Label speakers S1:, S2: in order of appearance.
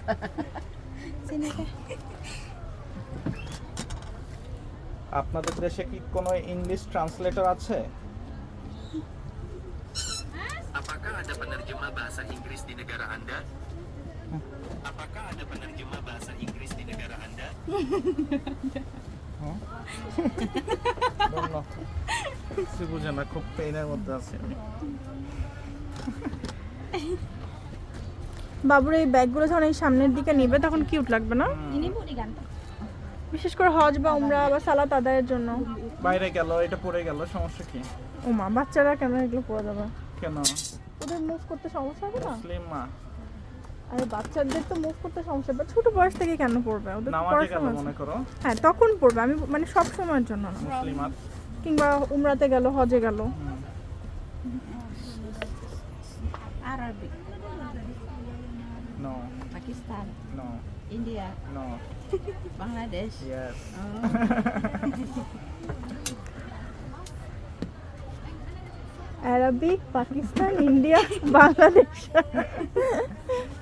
S1: আপনাদের দেশে কি কোনো ইংলিশ ট্রান্সলেটর আছে?
S2: Apakah ada penerjemah bahasa Inggris di negara Anda? Apakah ada penerjemah bahasa Inggris di negara Anda?
S1: বললো সে বুঝে না, খুব পেইনের মধ্যে আছে।
S3: বাবুর এই ব্যাগগুলো যখন এই সামনের দিকে নিবে তখন কিউট লাগবে না? বিশেষ করে হজ বা উমরা বা সালাত আদায়ের জন্য।
S1: বাইরে গেল, এটা পড়ে গেল, সমস্যা কি?
S3: ওমা, বাচ্চারা কেন এগুলো পরে যাবে?
S1: কেন?
S3: ওদের মুভ করতে সমস্যা হবে না?
S1: মুসলিম মা
S3: আরে বাচ্চাদের তো মুভ করতে সমস্যা হবে, ছোট বয়স থেকে কেন পড়বে? ওদের তো
S1: নামাজে গেল
S3: পড়াশোনা
S1: মনে
S3: আছে।
S1: করো,
S3: হ্যাঁ তখন পড়বে, আমি মানে সব সময়ের জন্য না।
S1: মুসলিমাত।
S3: কিংবা উমরাতে গেল, হজে গেল।
S4: Arabic,
S1: no
S4: Pakistan,
S1: no
S4: India,
S1: no
S4: Bangladesh.
S1: Yes.
S3: Arabic, Pakistan, India, Bangladesh.